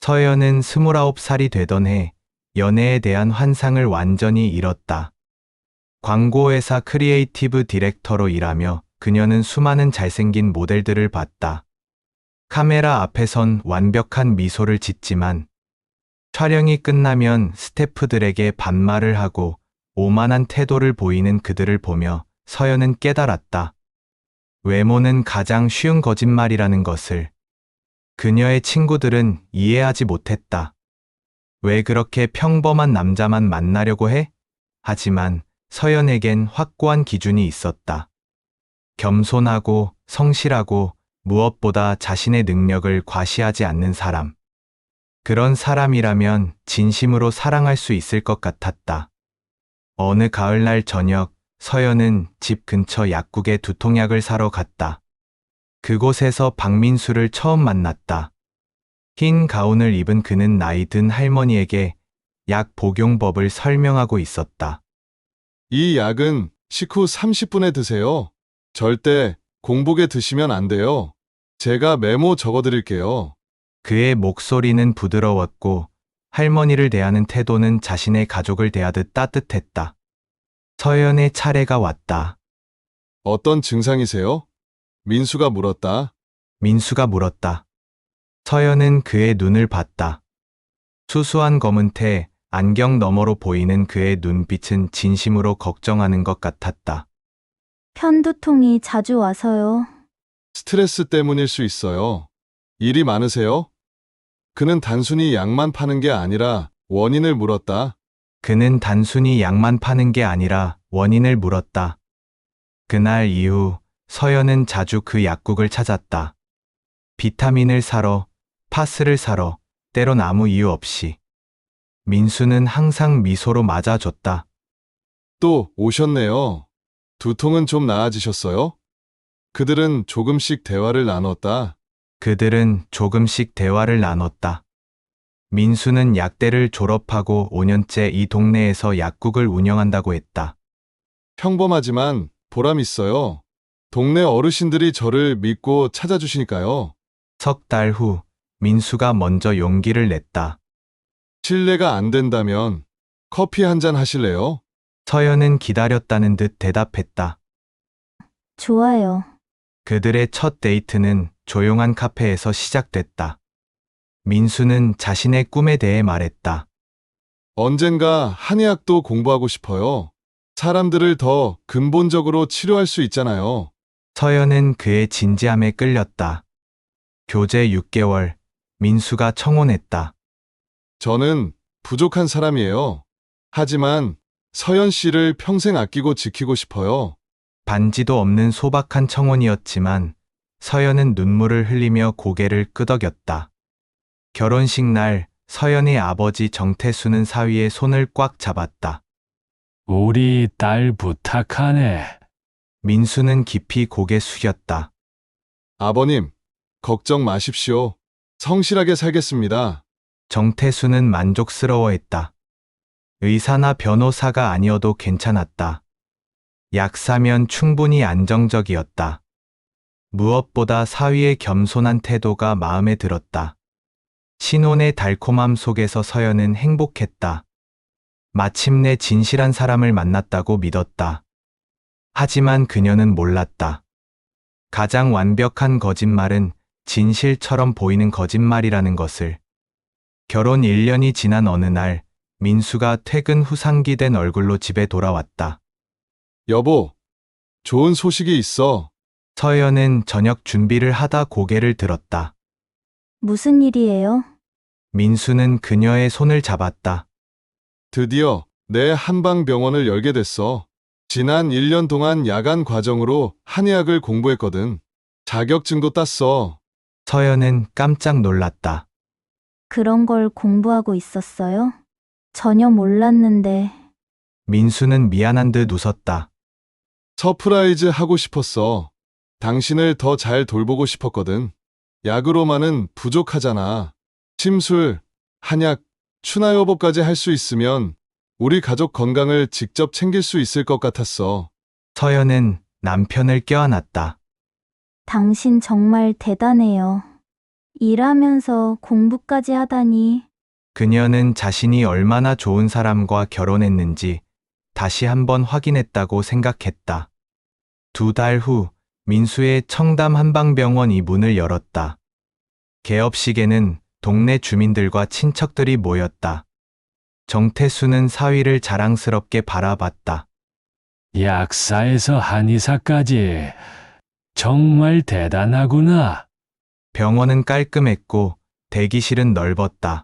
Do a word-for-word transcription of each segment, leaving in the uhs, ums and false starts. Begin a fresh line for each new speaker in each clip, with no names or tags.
서연은 스물아홉 살이 되던 해 연애에 대한 환상을 완전히 잃었다. 광고회사 크리에이티브 디렉터로 일하며 그녀는 수많은 잘생긴 모델들을 봤다. 카메라 앞에선 완벽한 미소를 짓지만 촬영이 끝나면 스태프들에게 반말을 하고 오만한 태도를 보이는 그들을 보며 서연은 깨달았다. 외모는 가장 쉬운 거짓말이라는 것을. 그녀의 친구들은 이해하지 못했다. 왜 그렇게 평범한 남자만 만나려고 해? 하지만 서연에겐 확고한 기준이 있었다. 겸손하고 성실하고 무엇보다 자신의 능력을 과시하지 않는 사람. 그런 사람이라면 진심으로 사랑할 수 있을 것 같았다. 어느 가을날 저녁, 서연은 집 근처 약국에 두통약을 사러 갔다. 그곳에서 박민수를 처음 만났다. 흰 가운을 입은 그는 나이 든 할머니에게 약 복용법을 설명하고 있었다.
이 약은 식후 삼십 분에 드세요. 절대 공복에 드시면 안 돼요. 제가 메모 적어드릴게요.
그의 목소리는 부드러웠고 할머니를 대하는 태도는 자신의 가족을 대하듯 따뜻했다. 서연의 차례가 왔다.
어떤 증상이세요? 민수가 물었다.
민수가 물었다. 서연은 그의 눈을 봤다. 수수한 검은 테, 안경 너머로 보이는 그의 눈빛은 진심으로 걱정하는 것 같았다.
편두통이 자주 와서요.
스트레스 때문일 수 있어요. 일이 많으세요? 그는 단순히 약만 파는 게 아니라 원인을 물었다.
그는 단순히 약만 파는 게 아니라 원인을 물었다. 그날 이후 서연은 자주 그 약국을 찾았다. 비타민을 사러, 파스를 사러, 때론 아무 이유 없이. 민수는 항상 미소로 맞아줬다.
또 오셨네요. 두통은 좀 나아지셨어요? 그들은 조금씩 대화를 나눴다.
그들은 조금씩 대화를 나눴다. 민수는 약대를 졸업하고 오 년째 이 동네에서 약국을 운영한다고 했다.
평범하지만 보람 있어요. 동네 어르신들이 저를 믿고 찾아주시니까요.
석 달 후, 민수가 먼저 용기를 냈다.
실례가 안 된다면 커피 한 잔 하실래요?
서연은 기다렸다는 듯 대답했다.
좋아요.
그들의 첫 데이트는 조용한 카페에서 시작됐다. 민수는 자신의 꿈에 대해 말했다.
언젠가 한의학도 공부하고 싶어요. 사람들을 더 근본적으로 치료할 수 있잖아요.
서연은 그의 진지함에 끌렸다. 교제 육 개월, 민수가 청혼했다.
저는 부족한 사람이에요. 하지만 서연 씨를 평생 아끼고 지키고 싶어요.
반지도 없는 소박한 청혼이었지만 서연은 눈물을 흘리며 고개를 끄덕였다. 결혼식 날 서연의 아버지 정태수는 사위의 손을 꽉 잡았다.
우리 딸 부탁하네.
민수는 깊이 고개 숙였다.
아버님, 걱정 마십시오. 성실하게 살겠습니다.
정태수는 만족스러워했다. 의사나 변호사가 아니어도 괜찮았다. 약 사면 충분히 안정적이었다. 무엇보다 사위의 겸손한 태도가 마음에 들었다. 신혼의 달콤함 속에서 서연은 행복했다. 마침내 진실한 사람을 만났다고 믿었다. 하지만 그녀는 몰랐다. 가장 완벽한 거짓말은 진실처럼 보이는 거짓말이라는 것을. 결혼 일 년이 지난 어느 날, 민수가 퇴근 후 상기된 얼굴로 집에 돌아왔다.
여보, 좋은 소식이 있어.
서연은 저녁 준비를 하다 고개를 들었다.
무슨 일이에요?
민수는 그녀의 손을 잡았다.
드디어 내 한방병원을 열게 됐어. 지난 일 년 동안 야간 과정으로 한의학을 공부했거든. 자격증도 땄어.
서연은 깜짝 놀랐다.
그런 걸 공부하고 있었어요? 전혀 몰랐는데.
민수는 미안한 듯 웃었다.
서프라이즈 하고 싶었어. 당신을 더 잘 돌보고 싶었거든. 약으로만은 부족하잖아. 침술, 한약, 추나요법까지 할 수 있으면 우리 가족 건강을 직접 챙길 수 있을 것 같았어.
서연은 남편을 껴안았다.
당신 정말 대단해요. 일하면서 공부까지 하다니.
그녀는 자신이 얼마나 좋은 사람과 결혼했는지 다시 한번 확인했다고 생각했다. 두 달 후 민수의 청담 한방병원이 문을 열었다. 개업식에는 동네 주민들과 친척들이 모였다. 정태수는 사위를 자랑스럽게 바라봤다.
약사에서 한의사까지 정말 대단하구나.
병원은 깔끔했고 대기실은 넓었다.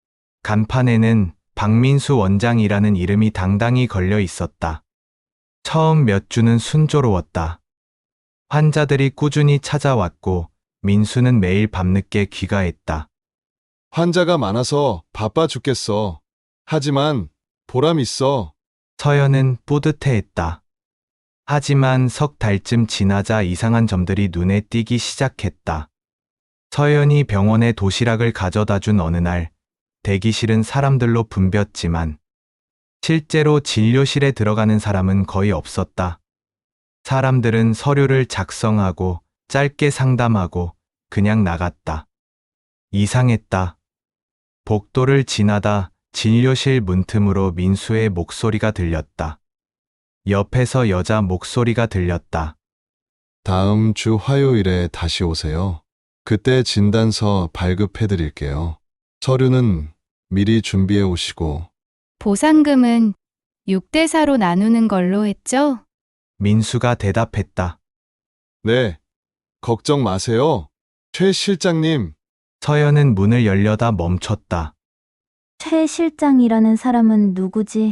간판에는 박민수 원장이라는 이름이 당당히 걸려 있었다. 처음 몇 주는 순조로웠다. 환자들이 꾸준히 찾아왔고 민수는 매일 밤늦게 귀가했다.
환자가 많아서 바빠 죽겠어. 하지만 보람 있어.
서연은 뿌듯해했다. 하지만 석 달쯤 지나자 이상한 점들이 눈에 띄기 시작했다. 서연이 병원에 도시락을 가져다 준 어느 날, 대기실은 사람들로 붐볐지만 실제로 진료실에 들어가는 사람은 거의 없었다. 사람들은 서류를 작성하고 짧게 상담하고 그냥 나갔다. 이상했다. 복도를 지나다 진료실 문틈으로 민수의 목소리가 들렸다. 옆에서 여자 목소리가 들렸다.
다음 주 화요일에 다시 오세요. 그때 진단서 발급해 드릴게요. 서류는 미리 준비해 오시고.
보상금은 육 대 사로 나누는 걸로 했죠?
민수가 대답했다.
네, 걱정 마세요. 최 실장님,
서연은 문을 열려다 멈췄다.
최 실장이라는 사람은 누구지?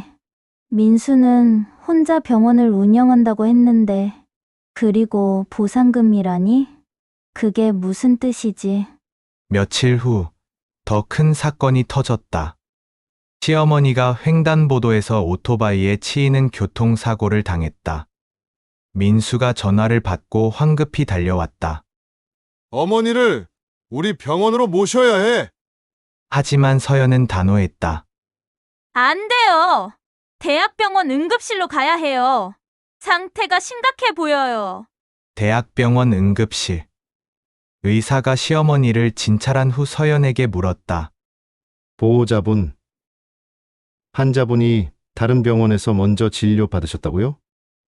민수는 혼자 병원을 운영한다고 했는데, 그리고 보상금이라니? 그게 무슨 뜻이지?
며칠 후 더 큰 사건이 터졌다. 시어머니가 횡단보도에서 오토바이에 치이는 교통사고를 당했다. 민수가 전화를 받고 황급히 달려왔다.
어머니를 우리 병원으로 모셔야 해.
하지만 서연은 단호했다.
안 돼요. 대학병원 응급실로 가야 해요. 상태가 심각해 보여요.
대학병원 응급실. 의사가 시어머니를 진찰한 후 서연에게 물었다.
보호자분, 환자분이 다른 병원에서 먼저 진료 받으셨다고요?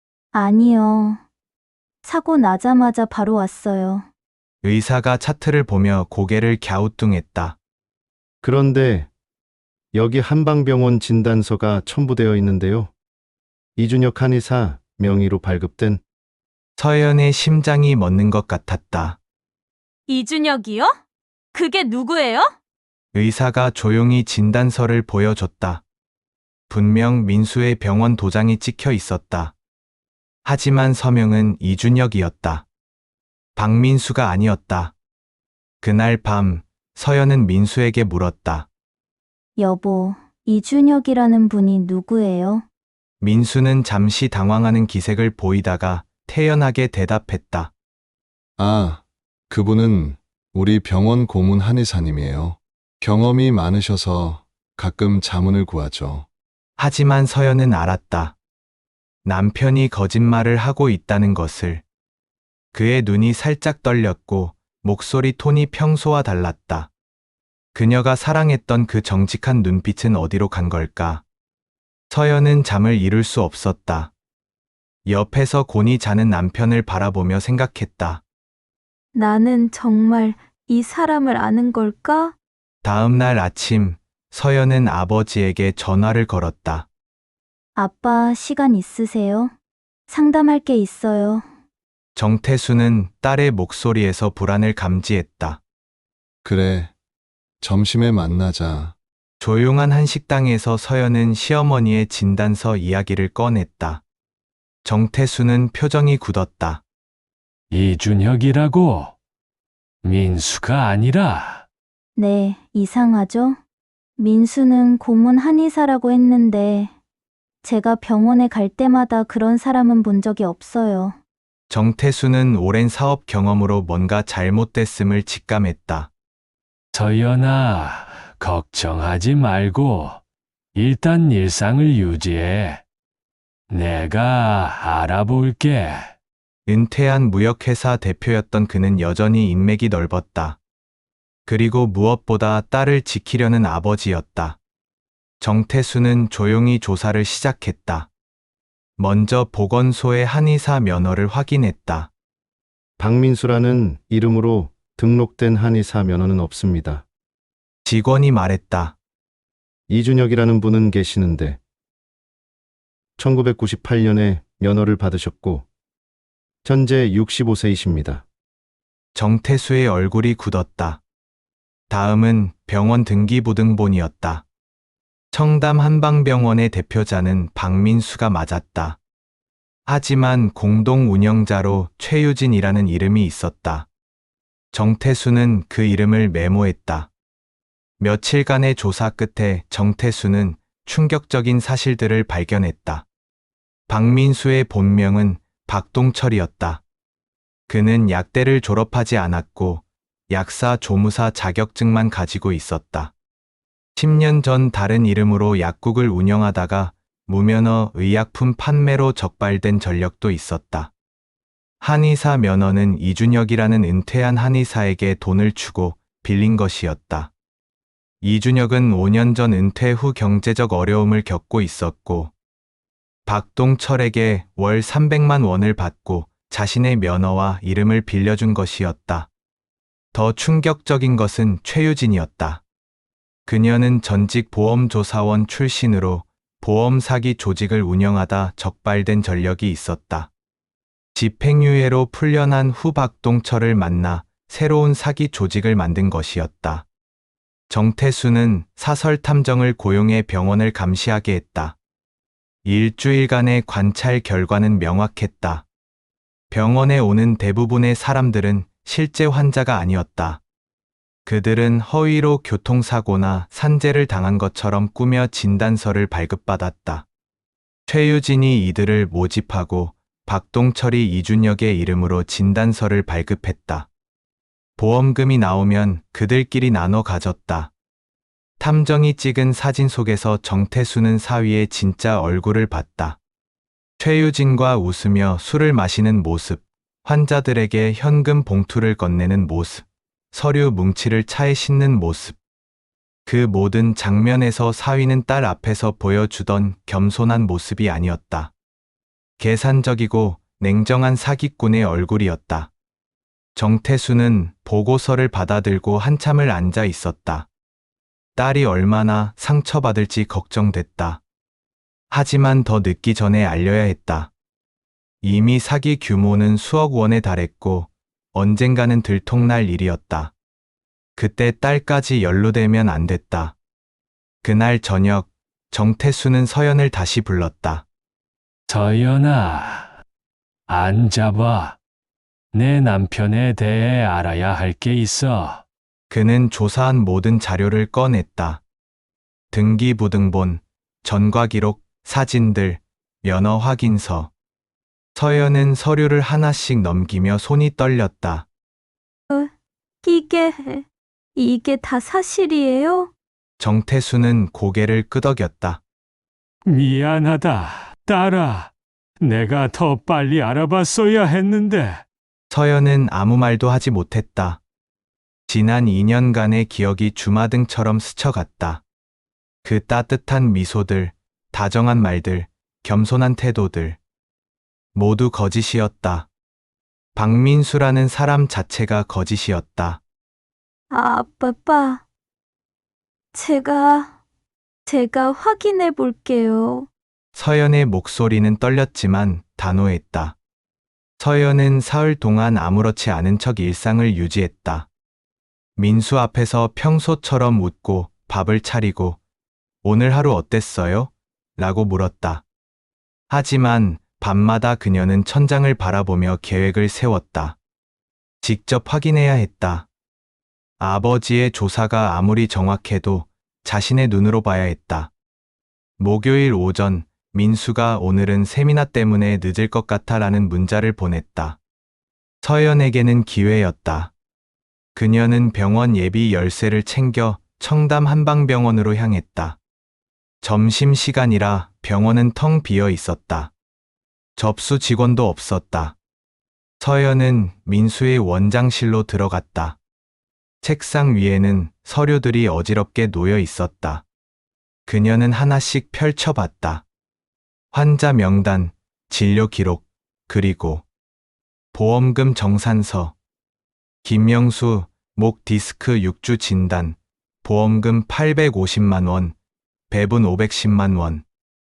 아니요. 사고 나자마자 바로 왔어요.
의사가 차트를 보며 고개를 갸우뚱했다.
그런데 여기 한방병원 진단서가 첨부되어 있는데요. 이준혁 한의사 명의로 발급된.
서연의 심장이 멎는 것 같았다.
이준혁이요? 그게 누구예요?
의사가 조용히 진단서를 보여줬다. 분명 민수의 병원 도장이 찍혀 있었다. 하지만 서명은 이준혁이었다. 박민수가 아니었다. 그날 밤 서연은 민수에게 물었다.
여보, 이준혁이라는 분이 누구예요?
민수는 잠시 당황하는 기색을 보이다가 태연하게 대답했다.
아, 그분은 우리 병원 고문 한의사님이에요. 경험이 많으셔서 가끔 자문을 구하죠.
하지만 서연은 알았다. 남편이 거짓말을 하고 있다는 것을. 그의 눈이 살짝 떨렸고 목소리 톤이 평소와 달랐다. 그녀가 사랑했던 그 정직한 눈빛은 어디로 간 걸까? 서연은 잠을 이룰 수 없었다. 옆에서 곤히 자는 남편을 바라보며 생각했다.
나는 정말 이 사람을 아는 걸까?
다음 날 아침, 서연은 아버지에게 전화를 걸었다.
아빠, 시간 있으세요? 상담할 게 있어요.
정태수는 딸의 목소리에서 불안을 감지했다.
그래, 점심에 만나자.
조용한 한 식당에서 서연은 시어머니의 진단서 이야기를 꺼냈다. 정태수는 표정이 굳었다.
이준혁이라고? 민수가 아니라.
네, 이상하죠? 민수는 고문 한의사라고 했는데, 제가 병원에 갈 때마다 그런 사람은 본 적이 없어요.
정태수는 오랜 사업 경험으로 뭔가 잘못됐음을 직감했다.
서연아, 걱정하지 말고 일단 일상을 유지해. 내가 알아볼게.
은퇴한 무역회사 대표였던 그는 여전히 인맥이 넓었다. 그리고 무엇보다 딸을 지키려는 아버지였다. 정태수는 조용히 조사를 시작했다. 먼저 보건소의 한의사 면허를 확인했다.
박민수라는 이름으로 등록된 한의사 면허는 없습니다.
직원이 말했다.
이준혁이라는 분은 계시는데 천구백구십팔 년에 면허를 받으셨고 현재 육십오 세이십니다.
정태수의 얼굴이 굳었다. 다음은 병원 등기부등본이었다. 청담 한방병원의 대표자는 박민수가 맞았다. 하지만 공동 운영자로 최유진이라는 이름이 있었다. 정태수는 그 이름을 메모했다. 며칠간의 조사 끝에 정태수는 충격적인 사실들을 발견했다. 박민수의 본명은 박동철이었다. 그는 약대를 졸업하지 않았고 약사 조무사 자격증만 가지고 있었다. 십 년 전 다른 이름으로 약국을 운영하다가 무면허 의약품 판매로 적발된 전력도 있었다. 한의사 면허는 이준혁이라는 은퇴한 한의사에게 돈을 주고 빌린 것이었다. 이준혁은 오 년 전 은퇴 후 경제적 어려움을 겪고 있었고 박동철에게 월 삼백만 원을 받고 자신의 면허와 이름을 빌려준 것이었다. 더 충격적인 것은 최유진이었다. 그녀는 전직 보험조사원 출신으로 보험 사기 조직을 운영하다 적발된 전력이 있었다. 집행유예로 풀려난 후 박동철을 만나 새로운 사기 조직을 만든 것이었다. 정태수는 사설 탐정을 고용해 병원을 감시하게 했다. 일주일간의 관찰 결과는 명확했다. 병원에 오는 대부분의 사람들은 실제 환자가 아니었다. 그들은 허위로 교통사고나 산재를 당한 것처럼 꾸며 진단서를 발급받았다. 최유진이 이들을 모집하고 박동철이 이준혁의 이름으로 진단서를 발급했다. 보험금이 나오면 그들끼리 나눠 가졌다. 탐정이 찍은 사진 속에서 정태수는 사위의 진짜 얼굴을 봤다. 최유진과 웃으며 술을 마시는 모습, 환자들에게 현금 봉투를 건네는 모습, 서류 뭉치를 차에 싣는 모습. 그 모든 장면에서 사위는 딸 앞에서 보여주던 겸손한 모습이 아니었다. 계산적이고 냉정한 사기꾼의 얼굴이었다. 정태수는 보고서를 받아들고 한참을 앉아 있었다. 딸이 얼마나 상처받을지 걱정됐다. 하지만 더 늦기 전에 알려야 했다. 이미 사기 규모는 수억 원에 달했고 언젠가는 들통날 일이었다. 그때 딸까지 연루되면 안 됐다. 그날 저녁 정태수는 서연을 다시 불렀다.
서연아, 앉아봐. 내 남편에 대해 알아야 할 게 있어.
그는 조사한 모든 자료를 꺼냈다. 등기부등본, 전과기록, 사진들, 면허 확인서. 서연은 서류를 하나씩 넘기며 손이 떨렸다.
이게, 이게 다 사실이에요?
정태수는 고개를 끄덕였다.
미안하다, 딸아. 내가 더 빨리 알아봤어야 했는데.
서연은 아무 말도 하지 못했다. 지난 이 년간의 기억이 주마등처럼 스쳐갔다. 그 따뜻한 미소들, 다정한 말들, 겸손한 태도들. 모두 거짓이었다. 박민수라는 사람 자체가 거짓이었다.
아, 아빠. 제가, 제가 확인해 볼게요.
서연의 목소리는 떨렸지만 단호했다. 서연은 사흘 동안 아무렇지 않은 척 일상을 유지했다. 민수 앞에서 평소처럼 웃고 밥을 차리고 오늘 하루 어땠어요? 라고 물었다. 하지만 밤마다 그녀는 천장을 바라보며 계획을 세웠다. 직접 확인해야 했다. 아버지의 조사가 아무리 정확해도 자신의 눈으로 봐야 했다. 목요일 오전 민수가 오늘은 세미나 때문에 늦을 것 같아 라는 문자를 보냈다. 서연에게는 기회였다. 그녀는 병원 예비 열쇠를 챙겨 청담 한방병원으로 향했다. 점심시간이라 병원은 텅 비어 있었다. 접수 직원도 없었다. 서연은 민수의 원장실로 들어갔다. 책상 위에는 서류들이 어지럽게 놓여 있었다. 그녀는 하나씩 펼쳐봤다. 환자 명단, 진료 기록, 그리고 보험금 정산서. 김명수, 목 디스크 육 주 진단, 보험금 팔백오십만 원, 배분 오백십만 원.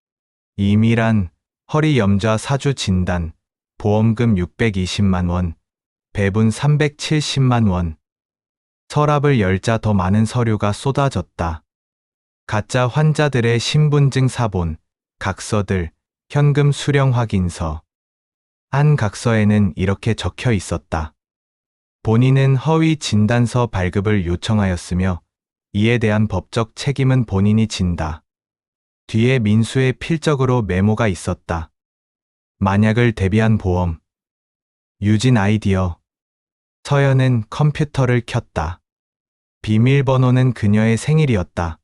이미란, 허리 염좌 사 주 진단, 보험금 육백이십만 원, 배분 삼백칠십만 원. 서랍을 열자 더 많은 서류가 쏟아졌다. 가짜 환자들의 신분증 사본, 각서들, 현금 수령 확인서. 한 각서에는 이렇게 적혀 있었다. 본인은 허위 진단서 발급을 요청하였으며 이에 대한 법적 책임은 본인이 진다. 뒤에 민수의 필적으로 메모가 있었다. 만약을 대비한 보험. 유진 아이디어. 서연은 컴퓨터를 켰다. 비밀번호는 그녀의 생일이었다.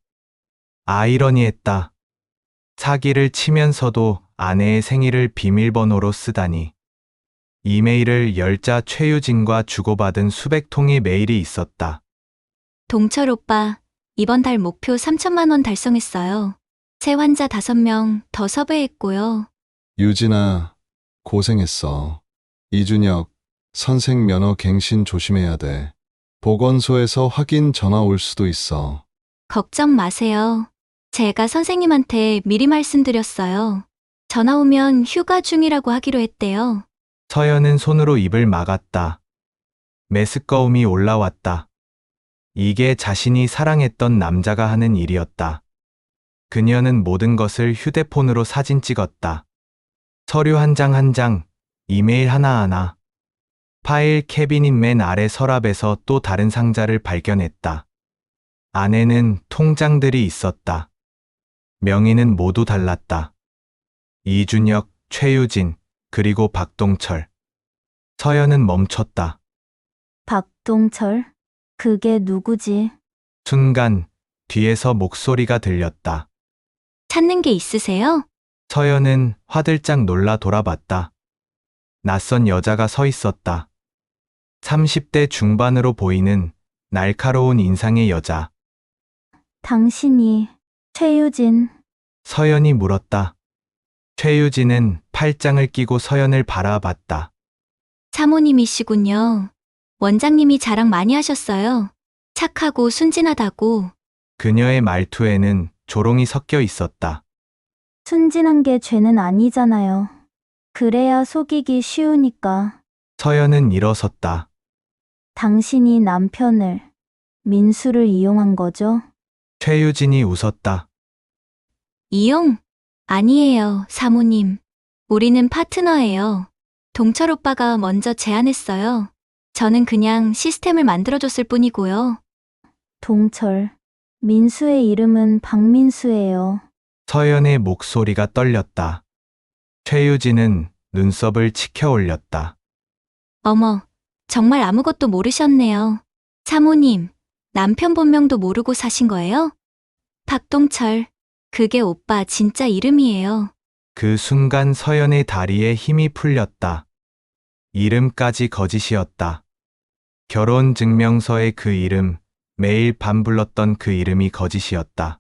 아이러니했다. 사기를 치면서도 아내의 생일을 비밀번호로 쓰다니. 이메일을 열자 최유진과 주고받은 수백 통의 메일이 있었다.
동철 오빠, 이번 달 목표 삼천만 원 달성했어요. 새 환자 다섯 명 더 섭외했고요.
유진아, 고생했어. 이준혁, 선생 면허 갱신 조심해야 돼. 보건소에서 확인 전화 올 수도 있어.
걱정 마세요. 제가 선생님한테 미리 말씀드렸어요. 전화 오면 휴가 중이라고 하기로 했대요.
서연은 손으로 입을 막았다. 메스꺼움이 올라왔다. 이게 자신이 사랑했던 남자가 하는 일이었다. 그녀는 모든 것을 휴대폰으로 사진 찍었다. 서류 한 장 한 장, 이메일 하나하나. 파일 캐비닛 맨 아래 서랍에서 또 다른 상자를 발견했다. 안에는 통장들이 있었다. 명의는 모두 달랐다. 이준혁, 최유진, 그리고 박동철. 서연은 멈췄다.
박동철? 그게 누구지?
순간 뒤에서 목소리가 들렸다.
찾는 게 있으세요?
서연은 화들짝 놀라 돌아봤다. 낯선 여자가 서 있었다. 삼십 대 중반으로 보이는 날카로운 인상의 여자.
당신이 최유진.
서연이 물었다. 최유진은 팔짱을 끼고 서연을 바라봤다.
사모님이시군요. 원장님이 자랑 많이 하셨어요. 착하고 순진하다고.
그녀의 말투에는 조롱이 섞여 있었다.
순진한 게 죄는 아니잖아요. 그래야 속이기 쉬우니까.
서연은 일어섰다.
당신이 남편을, 민수를 이용한 거죠?
최유진이 웃었다.
이용? 아니에요, 사모님. 우리는 파트너예요. 동철 오빠가 먼저 제안했어요. 저는 그냥 시스템을 만들어줬을 뿐이고요.
동철. 민수의 이름은 박민수예요.
서연의 목소리가 떨렸다. 최유진은 눈썹을 치켜 올렸다.
어머, 정말 아무것도 모르셨네요. 사모님, 남편 본명도 모르고 사신 거예요? 박동철, 그게 오빠 진짜 이름이에요.
그 순간 서연의 다리에 힘이 풀렸다. 이름까지 거짓이었다. 결혼 증명서의 그 이름, 매일 밤 불렀던 그 이름이 거짓이었다.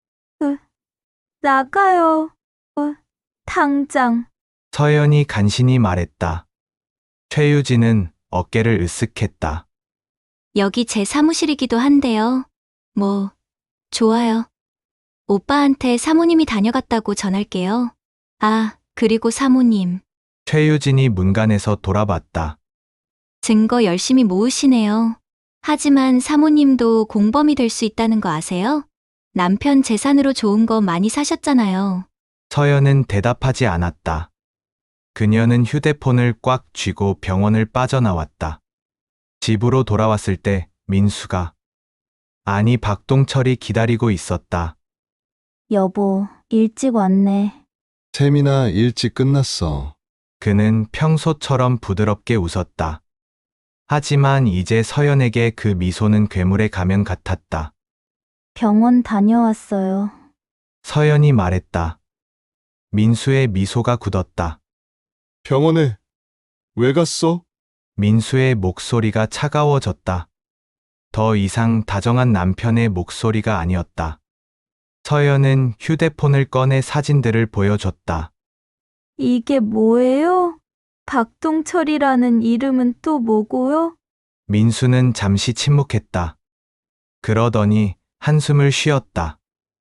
나가요. 어, 당장.
서연이 간신히 말했다. 최유진은 어깨를 으쓱했다.
여기 제 사무실이기도 한데요. 뭐, 좋아요. 오빠한테 사모님이 다녀갔다고 전할게요. 아, 그리고 사모님.
최유진이 문간에서 돌아봤다.
증거 열심히 모으시네요. 하지만 사모님도 공범이 될 수 있다는 거 아세요? 남편 재산으로 좋은 거 많이 사셨잖아요.
서연은 대답하지 않았다. 그녀는 휴대폰을 꽉 쥐고 병원을 빠져나왔다. 집으로 돌아왔을 때 민수가, 아니 박동철이 기다리고 있었다.
여보, 일찍 왔네.
세미나 일찍 끝났어.
그는 평소처럼 부드럽게 웃었다. 하지만 이제 서연에게 그 미소는 괴물의 가면 같았다.
병원 다녀왔어요.
서연이 말했다. 민수의 미소가 굳었다.
병원에 왜 갔어?
민수의 목소리가 차가워졌다. 더 이상 다정한 남편의 목소리가 아니었다. 서연은 휴대폰을 꺼내 사진들을 보여줬다.
이게 뭐예요? 박동철이라는 이름은 또 뭐고요?
민수는 잠시 침묵했다. 그러더니 한숨을 쉬었다.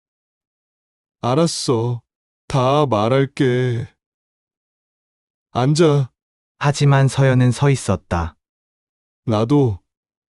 알았어. 다 말할게. 앉아.
하지만 서연은 서 있었다.
나도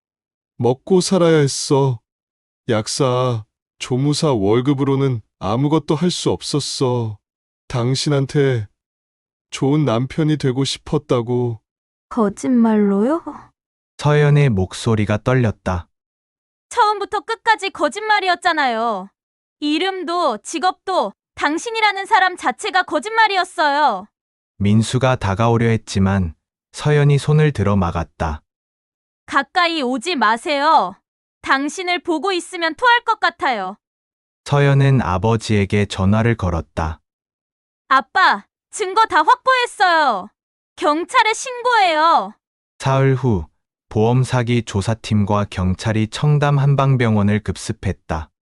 먹고 살아야 했어. 약사, 조무사 월급으로는 아무것도 할 수 없었어. 당신한테 좋은 남편이 되고 싶었다고.
거짓말로요?
서연의 목소리가 떨렸다.
처음부터 끝까지 거짓말이었잖아요. 이름도 직업도 당신이라는 사람 자체가 거짓말이었어요.
민수가 다가오려 했지만 서연이 손을 들어 막았다.
가까이 오지 마세요. 당신을 보고 있으면 토할 것 같아요.
서연은 아버지에게 전화를 걸었다.
아빠, 증거 다 확보했어요. 경찰에 신고해요.
사흘 후 보험 사기 조사팀과 경찰이 청담 한방병원을 급습했다.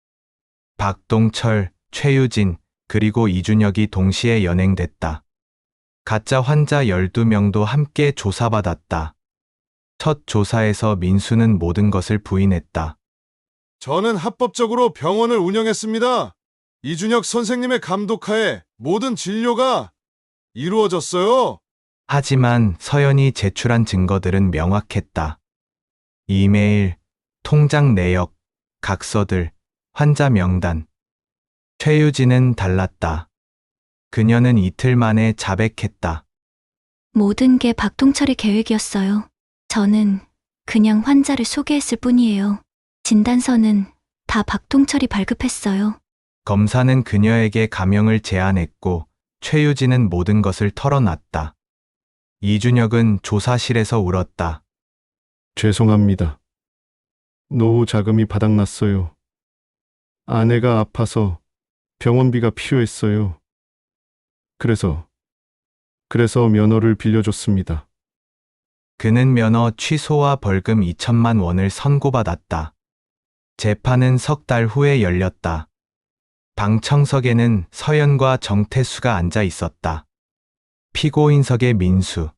박동철, 최유진, 그리고 이준혁이 동시에 연행됐다. 가짜 환자 열두 명도 함께 조사받았다. 첫 조사에서 민수는 모든 것을 부인했다.
저는 합법적으로 병원을 운영했습니다. 이준혁 선생님의 감독하에 모든 진료가 이루어졌어요.
하지만 서연이 제출한 증거들은 명확했다. 이메일, 통장 내역, 각서들, 환자 명단. 최유진은 달랐다. 그녀는 이틀 만에 자백했다.
모든 게 박동철의 계획이었어요. 저는 그냥 환자를 소개했을 뿐이에요. 진단서는 다 박동철이 발급했어요.
검사는 그녀에게 감형을 제안했고 최유진은 모든 것을 털어놨다. 이준혁은 조사실에서 울었다.
죄송합니다. 노후 자금이 바닥났어요. 아내가 아파서 병원비가 필요했어요. 그래서, 그래서 면허를 빌려줬습니다.
그는 면허 취소와 벌금 이천만 원을 선고받았다. 재판은 석 달 후에 열렸다. 방청석에는 서연과 정태수가 앉아 있었다. 피고인석에 민수,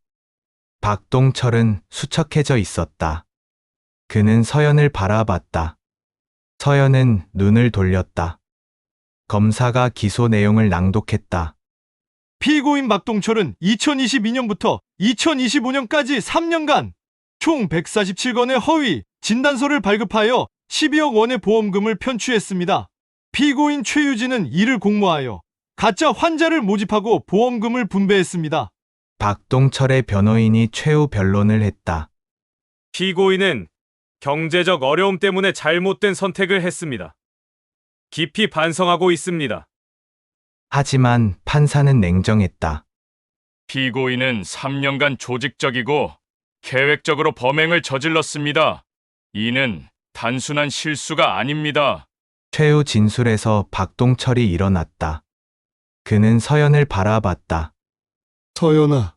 박동철은 수척해져 있었다. 그는 서연을 바라봤다. 서연은 눈을 돌렸다. 검사가 기소 내용을 낭독했다.
피고인 박동철은 이천이십이 년부터 이천이십오 년까지 삼 년간 총 백사십칠 건의 허위 진단서를 발급하여 십이억 원의 보험금을 편취했습니다. 피고인 최유진은 이를 공모하여 가짜 환자를 모집하고 보험금을 분배했습니다.
박동철의 변호인이 최후 변론을 했다.
피고인은 경제적 어려움 때문에 잘못된 선택을 했습니다. 깊이 반성하고 있습니다.
하지만 판사는 냉정했다.
피고인은 삼 년간 조직적이고 계획적으로 범행을 저질렀습니다. 이는 단순한 실수가 아닙니다.
최후 진술에서 박동철이 일어났다. 그는 서연을 바라봤다.
서연아,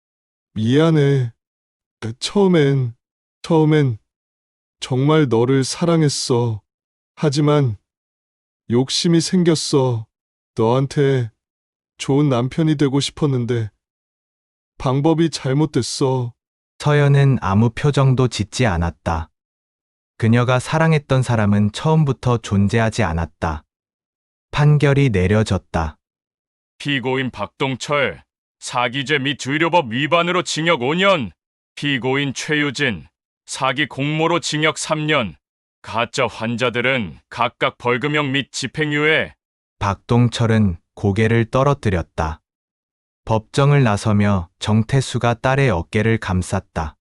미안해. 처음엔, 처음엔 정말 너를 사랑했어. 하지만 욕심이 생겼어. 너한테 좋은 남편이 되고 싶었는데 방법이 잘못됐어.
서연은 아무 표정도 짓지 않았다. 그녀가 사랑했던 사람은 처음부터 존재하지 않았다. 판결이 내려졌다.
피고인 박동철, 사기죄 및 의료법 위반으로 징역 오 년, 피고인 최유진, 사기 공모로 징역 삼 년, 가짜 환자들은 각각 벌금형 및 집행유예.
박동철은 고개를 떨어뜨렸다. 법정을 나서며 정태수가 딸의 어깨를 감쌌다.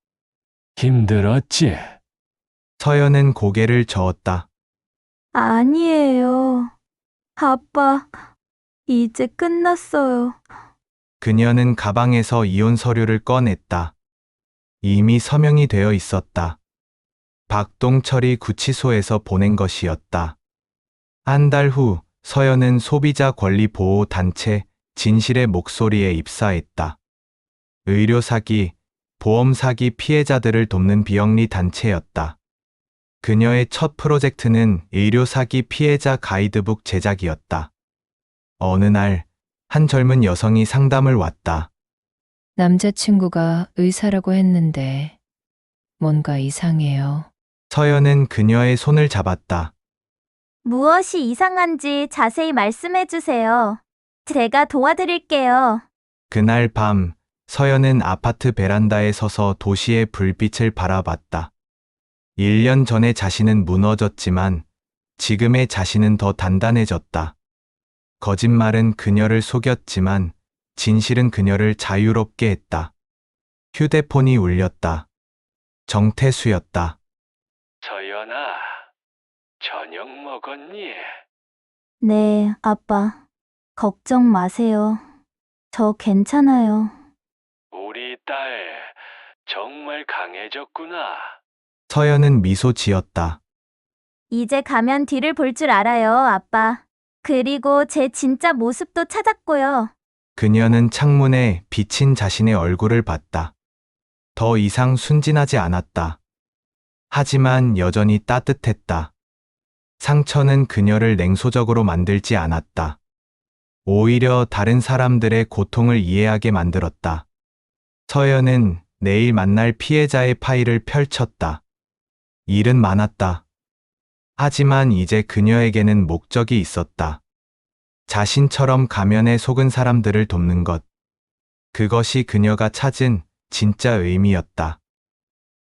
힘들었지?
서연은 고개를 저었다.
아니에요. 아빠, 이제 끝났어요.
그녀는 가방에서 이혼 서류를 꺼냈다. 이미 서명이 되어 있었다. 박동철이 구치소에서 보낸 것이었다. 한 달 후 서연은 소비자 권리 보호 단체 진실의 목소리에 입사했다. 의료 사기, 보험 사기 피해자들을 돕는 비영리 단체였다. 그녀의 첫 프로젝트는 의료 사기 피해자 가이드북 제작이었다. 어느 날, 한 젊은 여성이 상담을 왔다.
남자친구가 의사라고 했는데 뭔가 이상해요.
서연은 그녀의 손을 잡았다.
무엇이 이상한지 자세히 말씀해 주세요. 제가 도와드릴게요.
그날 밤, 서연은 아파트 베란다에 서서 도시의 불빛을 바라봤다. 일 년 전의 자신은 무너졌지만 지금의 자신은 더 단단해졌다. 거짓말은 그녀를 속였지만 진실은 그녀를 자유롭게 했다. 휴대폰이 울렸다. 정태수였다.
서연아, 저녁 먹었니?
네, 아빠. 걱정 마세요. 저 괜찮아요.
우리 딸 정말 강해졌구나.
서연은 미소 지었다.
이제 가면 뒤를 볼 줄 알아요, 아빠. 그리고 제 진짜 모습도 찾았고요.
그녀는 창문에 비친 자신의 얼굴을 봤다. 더 이상 순진하지 않았다. 하지만 여전히 따뜻했다. 상처는 그녀를 냉소적으로 만들지 않았다. 오히려 다른 사람들의 고통을 이해하게 만들었다. 서연은 내일 만날 피해자의 파일을 펼쳤다. 일은 많았다. 하지만 이제 그녀에게는 목적이 있었다. 자신처럼 가면에 속은 사람들을 돕는 것. 그것이 그녀가 찾은 진짜 의미였다.